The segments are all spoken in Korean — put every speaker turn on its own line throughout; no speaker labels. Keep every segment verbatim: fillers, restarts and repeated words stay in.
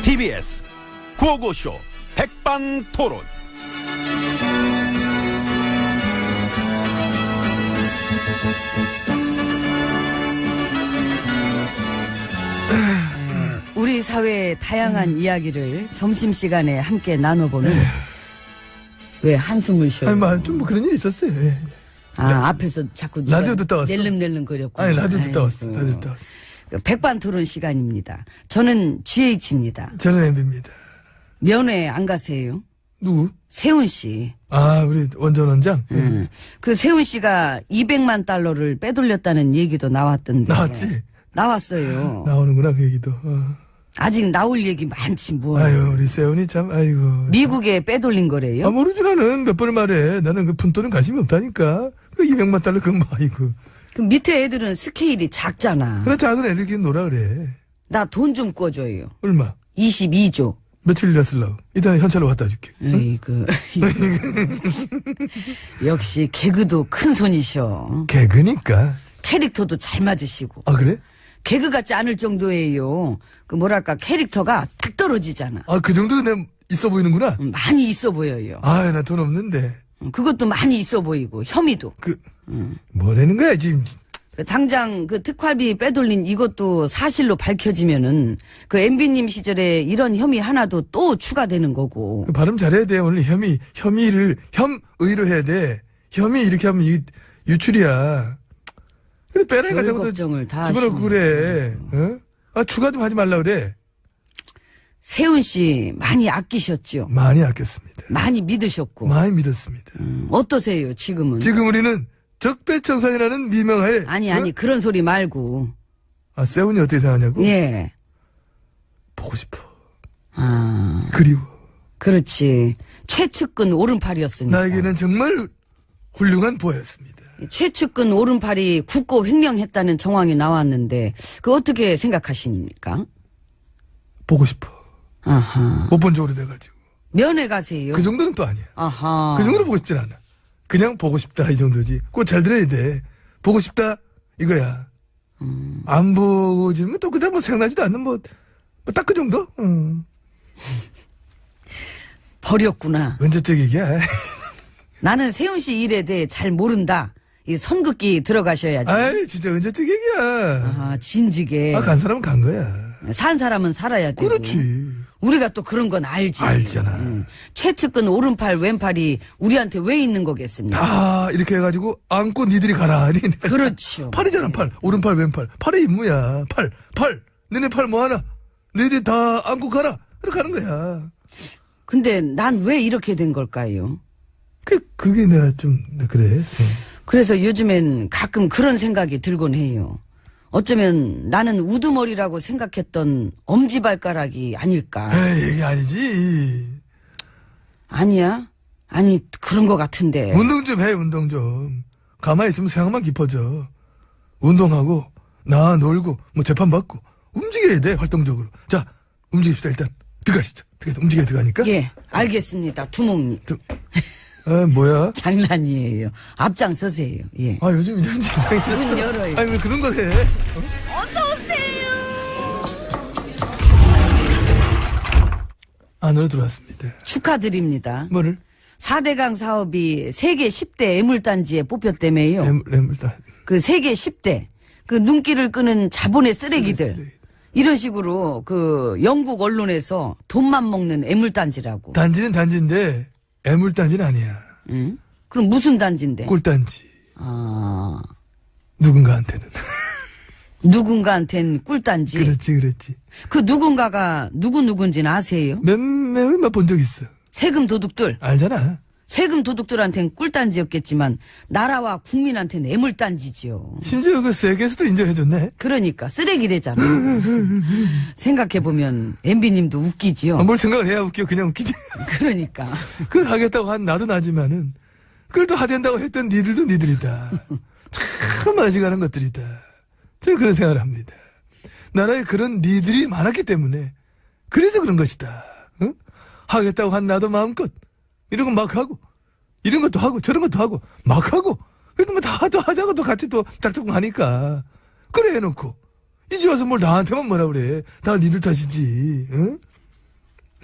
티비에스 구호고쇼 백반토론.
우리 사회의 다양한 음. 이야기를 점심시간에 함께 나눠보는 에휴. 왜 한숨을 쉬어요?
아니, 뭐, 좀 뭐 그런 일이 있었어요. 예.
아, 라, 앞에서 자꾸 누가
라디오 듣다 왔어.
낼름낼름 거렸고.
아니, 라디오 듣다 왔어. 라디오 듣다 왔어.
백반토론 시간입니다. 저는 지에이치입니다.
저는 엠비입니다.
면회 안 가세요?
누구?
세훈 씨.
아, 우리 원전 원장?
음. 그 세훈 씨가 이백만 달러를 빼돌렸다는 얘기도 나왔던데.
나왔지?
나왔어요.
나오는구나, 그 얘기도. 어.
아직 나올 얘기 많지 뭐.
아유, 우리 세훈이 참, 아이고.
미국에 빼돌린 거래요?
아, 모르지, 나는 몇 번을 말해. 나는 그 푼돈은 관심이 없다니까. 그 이백만 달러 그건 뭐, 아이고.
그 밑에 애들은 스케일이 작잖아.
그래, 작은 애들끼리 놀아 그래.
나 돈 좀 꿔줘요.
얼마?
이십이조.
며칠이나 쓰려고? 이따가 현찰로 갖다 줄게.
에이그. 역시 개그도 큰 손이셔.
개그니까.
캐릭터도 잘 맞으시고.
아, 그래?
개그 같지 않을 정도예요. 그 뭐랄까 캐릭터가 딱 떨어지잖아.
아, 그 정도로 내가 있어 보이는구나?
음, 많이 있어 보여요.
아, 나 돈 없는데.
음, 그것도 많이 있어 보이고 혐의도.
그 음. 뭐라는 거야 지금?
그 당장 그 특활비 빼돌린 이것도 사실로 밝혀지면은 그 엠비님 시절에 이런 혐의 하나도 또 추가되는 거고.
그 발음 잘해야 돼. 오늘 혐의 혐의를 혐의로 해야 돼. 혐의 이렇게 하면 이 유출이야. 근데 빼라니까 자꾸
걱정을 다
집어넣고 그래. 어? 아, 추가 좀 하지 말라 그래.
세훈 씨 많이 아끼셨죠?
많이 아꼈습니다.
많이 믿으셨고.
많이 믿었습니다.
음, 어떠세요 지금은?
지금 우리는 적폐청산이라는 미명하에.
아니 아니 어? 그런 소리 말고.
아, 세훈이 어떻게 생각하냐고?
예.
보고 싶어.
아.
그리워.
그렇지. 최측근 오른팔이었으니까.
나에게는 정말 훌륭한 보였습니다.
최측근 오른팔이 국고 횡령했다는 정황이 나왔는데 그 어떻게 생각하십니까?
보고 싶어.
아하.
못 본 지 오래돼가지고.
면회 가세요.
그 정도는 또 아니야.
아하.
그 정도로 보고 싶진 않아. 그냥 보고 싶다 이 정도지. 꼭 잘 들어야 돼. 보고 싶다 이거야. 음. 안 보고 지면 또 그다음 뭐 생각나지도 않는 뭐 딱 그 정도. 음.
버렸구나.
언제적 얘기야.
나는 세훈 씨 일에 대해 잘 모른다. 이 선긋기 들어가셔야지.
아이 진짜 언제적 얘기야.
아 진지게.
아, 간 사람은 간 거야.
산 사람은 살아야 되고.
그렇지.
우리가 또 그런 건 알지.
알잖아.
응. 최측근 오른팔 왼팔이 우리한테 왜 있는 거겠습니까?
다 이렇게 해가지고 안고 니들이 가라.
그렇죠.
팔이잖아 팔. 오른팔 왼팔. 팔의 임무야. 팔. 팔. 너네 팔 뭐하나. 너희들 다 안고 가라. 이렇게 하는 거야.
근데 난 왜 이렇게 된 걸까요?
그, 그게 내가 좀 그래. 응.
그래서 요즘엔 가끔 그런 생각이 들곤 해요. 어쩌면 나는 우두머리라고 생각했던 엄지발가락이 아닐까.
에이, 이게 아니지.
아니야? 아니 그런 것 같은데.
운동 좀 해, 운동 좀. 가만히 있으면 생각만 깊어져. 운동하고 나 놀고 뭐 재판 받고 움직여야 돼, 활동적으로. 자, 움직입시다. 일단 들어가시죠. 들어가, 움직여야 들어가니까.
예, 알겠습니다. 두목님.
두... 아, 뭐야?
장난이에요. 앞장서세요. 예.
아, 요즘 이런 세상에.
문 열어요.
아니, 왜 그런 걸 해? 어?
어서오세요.
안으로 들어왔습니다.
축하드립니다.
뭐를?
사대강 사업이 세계 십 대 애물단지에 뽑혔다며요.
애물, 애물단.
그 세계 십 대. 그 눈길을 끄는 자본의 쓰레기들.
쓰레기.
이런 식으로 그 영국 언론에서 돈만 먹는 애물단지라고.
단지는 단지인데 애물단지는 아니야.
응? 그럼 무슨 단지인데?
꿀단지.
아.
누군가한테는.
누군가한텐 꿀단지.
그렇지, 그렇지.
그 누군가가 누구 누군지는 아세요?
몇 명을 본 적 있어.
세금 도둑들.
알잖아.
세금 도둑들한텐 꿀단지였겠지만 나라와 국민한테는 애물단지지요.
심지어 그 세계에서도 인정해줬네.
그러니까 쓰레기래잖아. 생각해보면 엠비님도 웃기지요.
아, 뭘 생각을 해야 웃겨. 그냥 웃기지.
그러니까.
그걸 하겠다고 한 나도 나지만은 그걸 또 하된다고 했던 니들도 니들이다. 참 아직하는 것들이다. 저는 그런 생각을 합니다. 나라에 그런 니들이 많았기 때문에 그래서 그런 것이다. 어? 하겠다고 한 나도 마음껏 이런 거 막 하고 이런 것도 하고 저런 것도 하고 막 하고 그래도 뭐 다 또 하자고 또 같이 또 작작고 하니까 그래 해놓고 이제 와서 뭘 나한테만 뭐라 그래. 다 니들 탓이지. 응?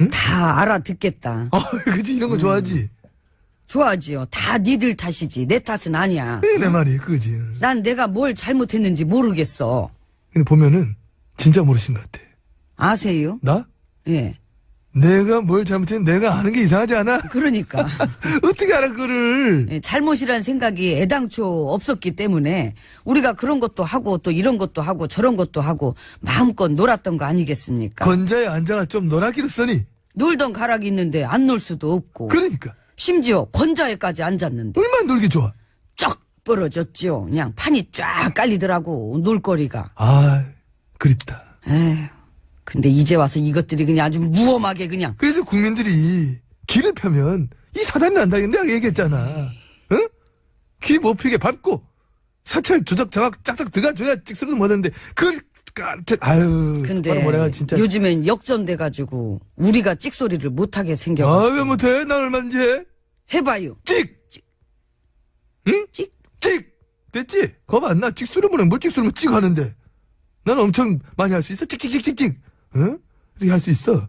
다 알아듣겠다.
아, 그치, 이런 거 좋아하지?
좋아하지요. 다 니들 탓이지. 내 탓은 아니야.
그게 내 말이, 그지?
난 내가 뭘 잘못했는지 모르겠어.
근데 보면은, 진짜 모르신 것 같아.
아세요?
나?
예.
내가 뭘 잘못했는지 내가 아는 게 이상하지 않아?
그러니까.
어떻게 알아, 그거를?
예, 잘못이란 생각이 애당초 없었기 때문에 우리가 그런 것도 하고 또 이런 것도 하고 저런 것도 하고 마음껏 놀았던 거 아니겠습니까?
건자에 앉아가 좀 놀아기로 써니?
놀던 가락이 있는데 안 놀 수도 없고.
그러니까.
심지어 건자에까지 앉았는데
얼마나 놀기 좋아?
쩍 벌어졌죠. 그냥 판이 쫙 깔리더라고 놀거리가.
아, 그립다.
에휴, 근데 이제 와서 이것들이 그냥 아주 무엄하게 그냥.
그래서 국민들이 길을 펴면 이 사단이 난다. 내가 얘기했잖아. 응? 귀 못 피게 밟고 사찰 조작 장악 짝짝 들어가줘야 찍소리도 못하는데 그걸 까르트 아유.
근데
뭐라 진짜.
요즘엔 역전돼가지고 우리가 찍소리를 못하게 생겨가지고.
아, 왜 못해? 난 얼마인지 해?
해봐요.
찍! 응?
찍?
찍! 됐지? 겁 안 나? 찍소리 뭐래? 뭘 찍소리 뭐찍 하는데. 난 엄청 많이 할 수 있어. 찍찍찍찍찍. 응? 이렇게 할 수 있어.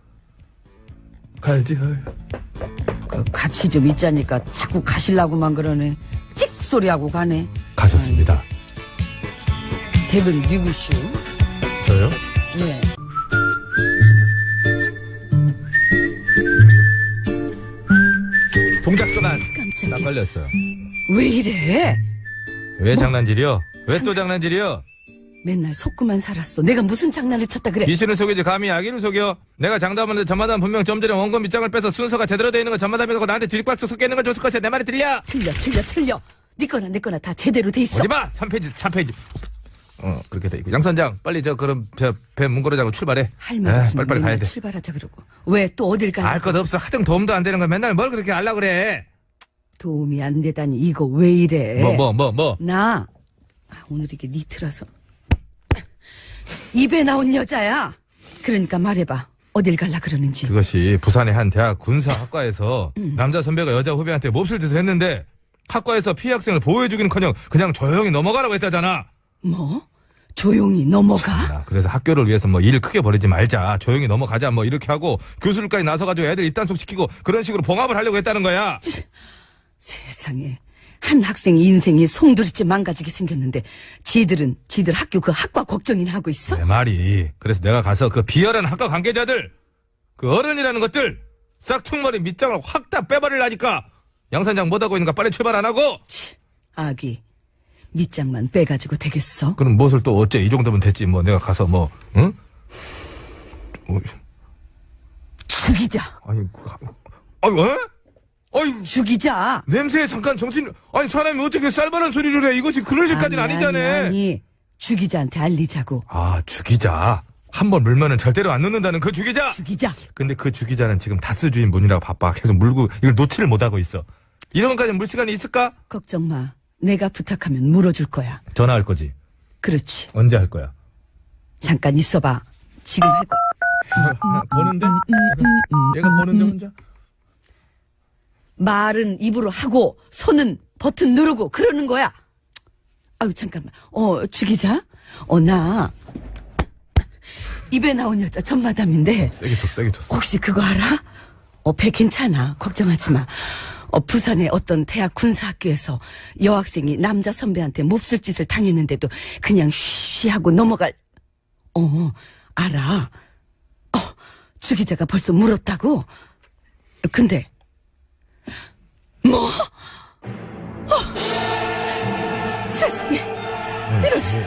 가야지. 아유.
그 같이 좀 있자니까 자꾸 가실라고만 그러네. 찍 소리하고 가네.
가셨습니다.
댁은 누구시오?
저요?
예.
동작 그만.
깜짝이야.
딱 걸렸어.
왜 이래?
왜 장난질이요? 왜 또 장난질이요?
맨날 속고만 살았어. 내가 무슨 장난을 쳤다 그래?
귀신을 속이지 감히 아기를 속여? 내가 장담하는데 전마담 분명 좀 전에 원금 밑장을 빼서 순서가 제대로 돼 있는 건 전마담이라고 나한테 뒤집박수 섞여 있는 걸 줬을 것이야. 내 말이 들려?
틀려 틀려 틀려. 네 거나 내 거나 다 제대로 돼 있어.
어디 봐! 삼 페이지, 삼 페이지. 어, 그렇게 돼 있고. 양 선장, 빨리 저, 그럼, 저, 배 문고르자고 출발해.
할 말
에,
없으면
빨리빨리 가야
맨날
돼.
출발하자 그러고. 왜 또 어딜 가냐?
알 것 없어. 하등 도움도 안 되는 거 맨날 뭘 그렇게 알라 그래.
도움이 안 되다니 이거 왜 이래?
뭐, 뭐, 뭐, 뭐.
나 아, 오늘 이게 니트라서 입에 나온 여자야. 그러니까 말해봐. 어딜 갈라 그러는지.
그것이 부산의 한 대학 군사학과에서 남자 선배가 여자 후배한테 몹쓸 짓을 했는데 학과에서 피해 학생을 보호해주기는커녕 그냥 조용히 넘어가라고 했다잖아.
뭐? 조용히 넘어가?
아, 그래서 학교를 위해서 뭐 일 크게 벌이지 말자, 조용히 넘어가자 뭐 이렇게 하고 교수들까지 나서가지고 애들 입단속 시키고 그런 식으로 봉합을 하려고 했다는 거야.
세상에. 한 학생 인생이 송두리째 망가지게 생겼는데 지들은 지들 학교 그 학과 걱정이나 하고 있어?
내 말이 그래서 내가 가서 그 비열한 학과 관계자들 그 어른이라는 것들 싹퉁머리 밑장을 확 다 빼버리려니까. 양 선장 못하고 있는가 빨리 출발 안 하고.
치, 아기 밑장만 빼가지고 되겠어?
그럼 무엇을 또 어째 이 정도면 됐지 뭐 내가 가서 뭐 응? 어,
죽이자.
아니 아니 왜? 아니
죽이자.
냄새에 잠깐 정신 아니 사람이 어떻게 쌀바란 소리를 해. 이것이 그럴 일까지는
아니,
아니잖아.
아니, 아니. 죽이자한테 알리자고.
아 죽이자. 한 번 물면은 절대로 안 놓는다는 그 죽이자.
죽이자.
근데 그 죽이자는 지금 다스 주인 분이라고 바빠. 계속 물고 이걸 놓지를 못하고 있어. 이런 것까지 물 시간이 있을까?
걱정 마. 내가 부탁하면 물어줄 거야.
전화할 거지.
그렇지.
언제 할 거야?
잠깐 있어봐. 지금 할 거야.
보는데? 얘가 보는데 혼자?
말은 입으로 하고 손은 버튼 누르고 그러는 거야. 아유 잠깐만. 어 죽이자. 어 나 입에 나온 여자 전마담인데
세게 쳤어, 세게 쳤어.
혹시 그거 알아? 어 배 괜찮아. 걱정하지 마. 어 부산의 어떤 대학 군사학교에서 여학생이 남자 선배한테 몹쓸 짓을 당했는데도 그냥 쉬쉬하고 넘어갈. 어 알아. 어 주기자가 벌써 물었다고? 근데 뭐? 어, 세상에 이럴 수.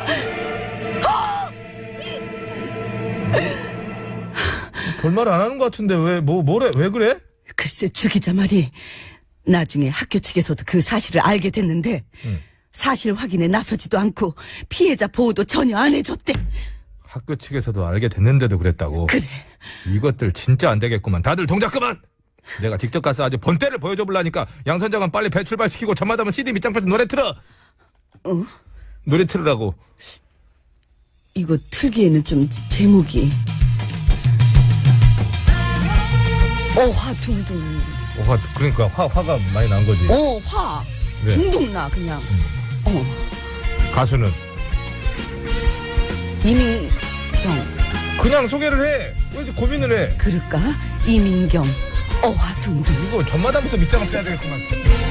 별말 안 하는 것 같은데 왜 뭐 뭐래 왜 그래?
글쎄 주기자 말이 나중에 학교 측에서도 그 사실을 알게 됐는데
응.
사실 확인에 나서지도 않고 피해자 보호도 전혀 안 해줬대.
학교 측에서도 알게 됐는데도 그랬다고.
그래.
이것들 진짜 안 되겠구만. 다들 동작 그만. 내가 직접 가서 아주 본때를 보여줘 볼라니까 양 선장은 빨리 배 출발시키고 전마담은 씨디 밑장 빼서 노래 틀어.
어?
노래 틀으라고.
이거 틀기에는 좀 제목이 어화 둥둥.
화 그러니까 화 화가 많이 난 거지.
어화
네.
둥둥 나 그냥.
음.
어
가수는
이민경.
그냥 소개를 해. 왜 이렇게 고민을 해?
그럴까? 이민경 어화둥둥.
이거 전마담부터 밑장을 빼야 되겠구만.